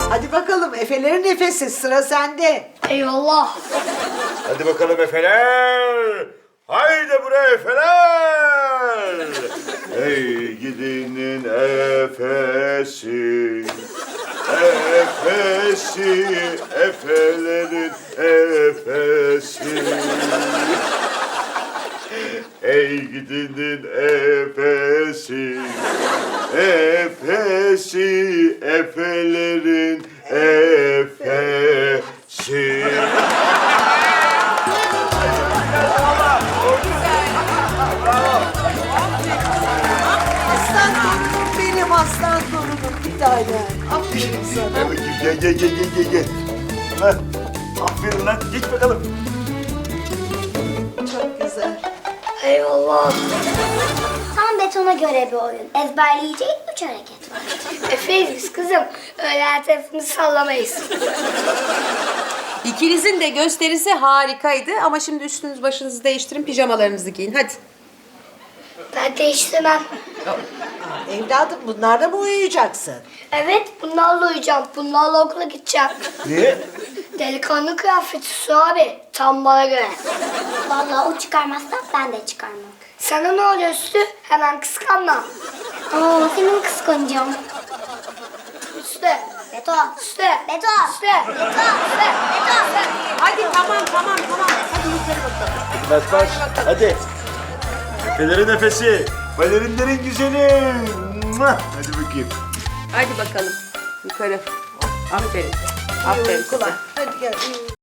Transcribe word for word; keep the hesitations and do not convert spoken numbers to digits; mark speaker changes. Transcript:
Speaker 1: Hadi bakalım Efelerin nefesi sıra sende.
Speaker 2: Eyvallah.
Speaker 3: Hadi bakalım Efeler. Haydi buraya Efeler. Ey gidinin efesi. Efesi, Efelerin efesi. Ey gidinin efesi. Efesi, Efelerin efesi.
Speaker 1: Aslan torunum benim aslan torunum bir tane. Aferin sana.
Speaker 3: Gel gel gel gel gel gel. Heh, aferin lan geç bakalım.
Speaker 1: Çok güzel.
Speaker 2: Eyvallah.
Speaker 4: Tam betona göre bir oyun. Ezberleyeceğin üç hareket var.
Speaker 2: Efeyiz kızım. Öyle her tarafını sallamayız.
Speaker 5: İkinizin de gösterisi harikaydı ama şimdi üstünüz başınızı değiştirin, pijamalarınızı giyin. Hadi.
Speaker 2: Ben değiştirmem.
Speaker 1: Evladım bunlarla mı uyuyacaksın?
Speaker 2: Evet, bunlarla uyuyacağım. Bunlarla okula gideceğim.
Speaker 3: Niye?
Speaker 2: Delikanlı kıyafeti Su abi. Tam bana göre.
Speaker 4: Vallahi o çıkarmazsa ben de çıkarmam.
Speaker 2: Sana ne oluyor Sütü? Hemen kıskanma.
Speaker 4: Aa, senin kıskanacağım.
Speaker 2: Sütü.
Speaker 4: Beto.
Speaker 2: Sütü.
Speaker 4: Beto.
Speaker 2: Sütü.
Speaker 4: Beto. Beto.
Speaker 5: Hadi tamam tamam tamam. Hadi yukarı bakalım.
Speaker 3: Bas bas. Hadi. Efelerin nefesi. Balerinlerin güzeli. Mua! Hadi bakayım.
Speaker 5: Hadi bakalım. Yukarı. Aferin. Aferin size.
Speaker 1: Hadi gel.